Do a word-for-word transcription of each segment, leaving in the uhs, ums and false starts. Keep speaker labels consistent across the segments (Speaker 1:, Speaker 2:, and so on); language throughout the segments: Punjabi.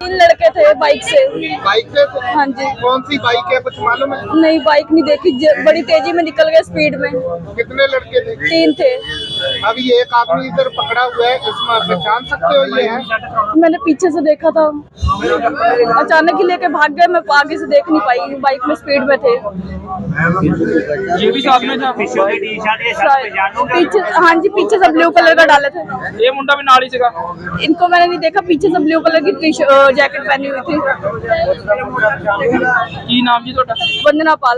Speaker 1: तीन लड़के थे बाइक से।
Speaker 2: बाइक से थे?
Speaker 1: हाँ जी।
Speaker 2: कौन सी बाइक है, कुछ मालूम है?
Speaker 1: नहीं, बाइक नहीं देखी, बड़ी तेजी में निकल गए स्पीड में।
Speaker 2: कितने लड़के थे?
Speaker 1: तीन थे।
Speaker 2: अभी एक आदमी इधर पकड़ा हुआ है, इसमें आप पहचान सकते हो ये है?
Speaker 1: मैंने पीछे से देखा था, अचानक ही लेके भाग गए, मैं आगे से देख नहीं पाई, बाइक में स्पीड में थे।
Speaker 3: ये भी साथ में था
Speaker 1: पीछे, हाँ जी, पीछे से ब्लू कलर का डाले थे।
Speaker 3: ये मुंडा भी नाल ही सीगा।
Speaker 1: इनको मैंने नहीं देखा, पीछे से ब्लू कलर की जैकेट पहनी हुई थी।
Speaker 3: की नाम जी ਤੁਹਾਡਾ?
Speaker 1: वंदना पाल।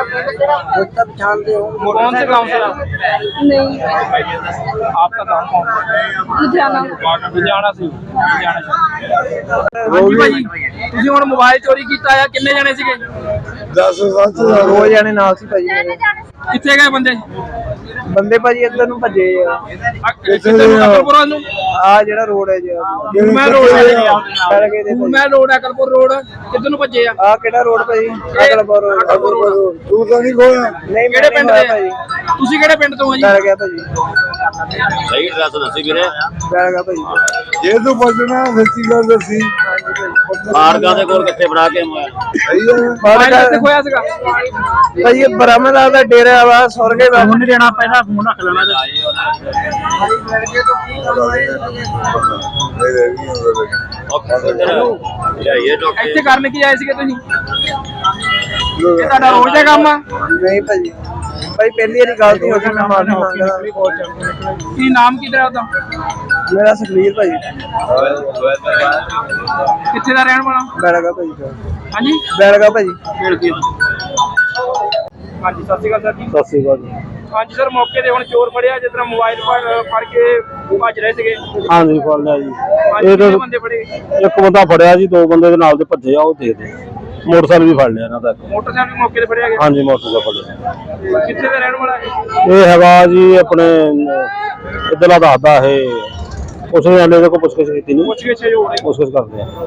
Speaker 3: कौन से गांव से?
Speaker 1: नहीं,
Speaker 3: आपका गांव कौन सा?
Speaker 1: लुधियाना।
Speaker 3: लुधियाना से। लुधियाना से। ਹਾਂਜੀ ਭਾਜੀ, ਤੁਸੀਂ ਹੁਣ ਮੋਬਾਈਲ ਚੋਰੀ ਕੀਤਾ ਆ, ਕਿੰਨੇ ਜਣੇ ਸੀਗੇ?
Speaker 4: दस सत्त
Speaker 5: दो जने नाल सी भाजी मेरे।
Speaker 3: ਕਿੱਥੇ ਗਏ ਬੰਦੇ?
Speaker 5: ਬੰਦੇ ਭਾਜੀ ਇੱਧਰ ਨੂੰ ਭੱਜੇ ਆ।
Speaker 3: ਆ ਕਿੱਥੇ ਨੂੰ? ਅਕਲਪੁਰਾ ਨੂੰ?
Speaker 5: ਆ ਜਿਹੜਾ ਰੋਡ ਹੈ ਜੀ,
Speaker 3: ਮੈਂ ਰੋਡ ਹੈ
Speaker 5: ਫੜ ਕੇ ਦੇ
Speaker 3: ਮੈਂ ਰੋਡ ਹੈ, ਅਕਲਪੁਰ ਰੋਡ ਕਿੱਧਰ ਨੂੰ ਭੱਜੇ ਆ?
Speaker 5: ਆ ਕਿਹੜਾ ਰੋਡ ਭਾਜੀ? ਅਕਲਪੁਰ ਰੋਡ।
Speaker 3: ਅਕਲਪੁਰ ਰੋਡ।
Speaker 4: तू तो नहीं खोया?
Speaker 5: ਨਹੀਂ
Speaker 3: ਕਿਹੜੇ ਪਿੰਡ ਦੇ
Speaker 5: ਭਾਜੀ?
Speaker 3: ਤੁਸੀਂ ਕਿਹੜੇ ਪਿੰਡ ਤੋਂ ਆ ਜੀ?
Speaker 5: ਡਰ ਗਿਆ ਭਾਜੀ,
Speaker 6: ਸਹੀ ਐਡਰੈਸ ਦੱਸੀ ਵੀਰੇ।
Speaker 5: ਡਰ ਗਿਆ ਭਾਜੀ।
Speaker 4: ये तो बचना सच्ची गल दसी
Speaker 6: ਮਾਰਗਾਂ ਦੇ ਕੋਲ ਕਿੱਥੇ ਬਣਾ ਕੇ ਮੋਬਾਈਲ?
Speaker 4: सही है।
Speaker 3: ਮੋਬਾਈਲ ਕਿੱਥੇ ਖੋਇਆ ਸੀਗਾ?
Speaker 5: ਭਾਜੀ ਇਹ ਬ੍ਰਹਮਦਾਸ ਦਾ ਡੇਰਾ ਵਾ, ਸੌਰਗੇ ਦਾ।
Speaker 3: ਨਹੀਂ ਦੇਣਾ, ਪਹਿਲਾਂ ਫੋਨ ਰੱਖ ਲੈਣਾ। ਇੱਥੇ ਕਰਨ ਕੀ ਆਏ ਸੀਗੇ ਤੁਸੀਂ? ਇਹ ਤੁਹਾਡਾ ਰੋਜ਼ ਦਾ ਕੰਮ ਆ?
Speaker 5: ਨਹੀਂ ਭਾਜੀ, ਭਾਈ ਪਹਿਲੀ ਵਾਰੀ ਗਲਤੀ ਹੋ ਗਈ, ਮੈਂ ਮਾਫੀ ਮੰਗਦਾ।
Speaker 3: ਕੀ ਨਾਮ ਕੀ ਤੇਰਾ ਉਹਦਾ?
Speaker 5: ਮੇਰਾ ਸੁਖਵੀਰ ਭਾਜੀ।
Speaker 3: ਕਿੱਥੇ ਦਾ ਰਹਿਣ ਵਾਲਾ?
Speaker 5: ਬੈਲਗਾ ਭਾਜੀ।
Speaker 3: ਹਾਂਜੀ,
Speaker 5: ਬੈਲਗਾ ਭਾਜੀ।
Speaker 3: ਹਾਂਜੀ, ਸਤਿ ਸ਼੍ਰੀ ਅਕਾਲ ਸਰ ਜੀ।
Speaker 5: ਸਤਿ ਸ਼੍ਰੀ ਅਕਾਲ ਜੀ।
Speaker 3: ਹਾਂਜੀ ਸਰ, ਮੌਕੇ ਤੇ ਹੁਣ ਚੋਰ ਫੜਿਆ, ਜਿਸ ਤਰ੍ਹਾਂ ਮੋਬਾਈਲ ਫੜ ਕੇ ਭੱਜ ਰਹੇ ਸੀਗੇ।
Speaker 7: ਹਾਂਜੀ ਫੜ ਲਿਆ ਜੀ।
Speaker 3: ਹਾਂਜੀ,
Speaker 7: ਇਹ
Speaker 3: ਕਿੰਨੇ ਬੰਦੇ ਫੜੇ?
Speaker 7: ਇੱਕ ਬੰਦਾ ਫੜਿਆ ਜੀ, ਦੋ ਬੰਦੇ ਦੇ ਨਾਲ ਦੇ ਭੱਜੇ ਆ, ਉਹ ਦੇ ਦੇ। ਮੋਟਰਸਾਈਕਲ ਵੀ ਫੜ ਲਿਆ ਇਹਨਾਂ ਦਾ।
Speaker 3: ਮੋਟਰਸਾਈਕਲ ਵੀ ਮੌਕੇ ਤੇ ਫੜਿਆ ਗਿਆ?
Speaker 7: ਹਾਂਜੀ ਮੋਟਰਸਾਈਕਲ ਫੜਿਆ।
Speaker 3: ਕਿੱਥੇ ਦਾ ਰਹਿਣ ਵਾਲਾ ਹੈ?
Speaker 7: ਇਹ ਹੈਗਾ ਜੀ ਆਪਣੇ ਇੱਧਰਲਾ ਦੱਸਦਾ ਇਹ, ਉਸਨੇ ਆਲੇ ਦੇ ਕੋਲ ਪੁੱਛਗਿੱਛ ਕੀਤੀ ਨਹੀਂ,
Speaker 3: ਪੁੱਛ ਕੇ ਛੇ ਹੋ ਰਹੇ।
Speaker 7: ਪੁੱਛਗਿੱਛ ਕਰਦੇ ਆ।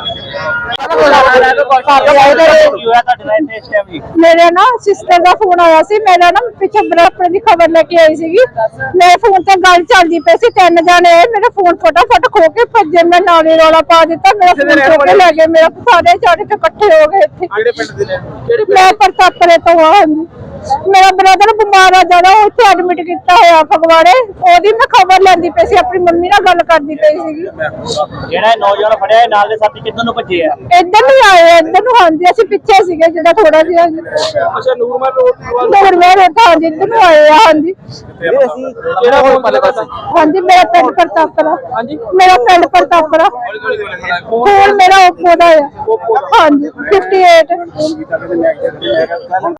Speaker 1: मेरे ना सिस्टर का फोन आया सी, मेरा ना पिछे बराबर की खबर लेके आई सी। मेरे फोन से गल चलती पई सी, तीन जने मेरा फोन फटाफट खो के भजे, मैं नाले रौला पा दिता, मेरा फोन खो के ले गए, मेरा सारे जाने के इकट्ठे हो गए इत्थे।
Speaker 3: ਕਿਹੜੇ ਪਿੰਡ ਦੇ ਨੇ?
Speaker 1: मैं परतापरे तो हाँ जी। मेरा ब्रदर बीमार आ जाना, उत्थे एडमिट किया होया फगवाड़े, ओदी मैं खबर लैंदी पई सी, अपनी मम्मी नाल गल करदी पई सी।
Speaker 6: ਜਿਹੜਾ ਨੌਜਵਾਨ ਫੜਿਆ ਨਾਲ ਦੇ ਸਾਥੀ ਕਿੱਧਰ ਨੂੰ ਭੱਜੇ ਆ?
Speaker 1: इधर नहीं आए, इधर नु हाँ जी, ਅਸੀਂ ਪਿੱਛੇ ਸੀਗੇ ਜਿਹੜਾ ਥੋੜਾ ਜਿਹਾ।
Speaker 3: ਅੱਛਾ, ਨੂਰਮਹਿਲ ਰੋਡ।
Speaker 1: ਹੋਰ ਮੈਂ ਰੋਟਾ हाँ जी, इधर नु आए हाँ जी।
Speaker 3: ਕਿਹੜਾ ਫੋਨ ਪੱਲੇ ਪਾਸੇ?
Speaker 1: हाँ जी, मेरा पिंड प्रतापरा।
Speaker 3: ਹਾਂਜੀ,
Speaker 1: मेरा पिंड प्रतापरा। फोन मेरा ओप्पो दा है। हाँ जी, अट्ठावन।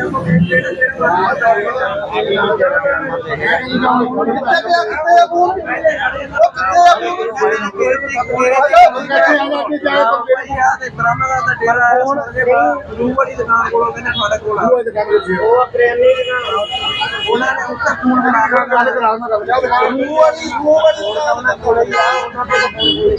Speaker 5: ਬ੍ਰਹਮਦਾਸ ਦਾ ਡੇਰਾ ਹੈ, ਰੂਹ ਵਾਲੀ ਦੁਕਾਨ ਕੋਲੋਂ ਕਹਿੰਦੇ ਤੁਹਾਡੇ ਕੋਲ ਆ। ਉਹ ਕਰਿਆਨੇ ਦੀ ਦੁਕਾਨ, ਉਹਨਾਂ ਨੇ ਉੱਤੇ ਫੋਨ ਬਣਾ ਕੇ ਗੱਲ ਕਰਾਉਣਾ। ਰੂਹ ਵਾਲੀ ਰੂਹ ਵਾਲੀ ਦੁਕਾਨ ਕੋਲ ਹੀ ਆ, ਉਹਨਾਂ ਦੇ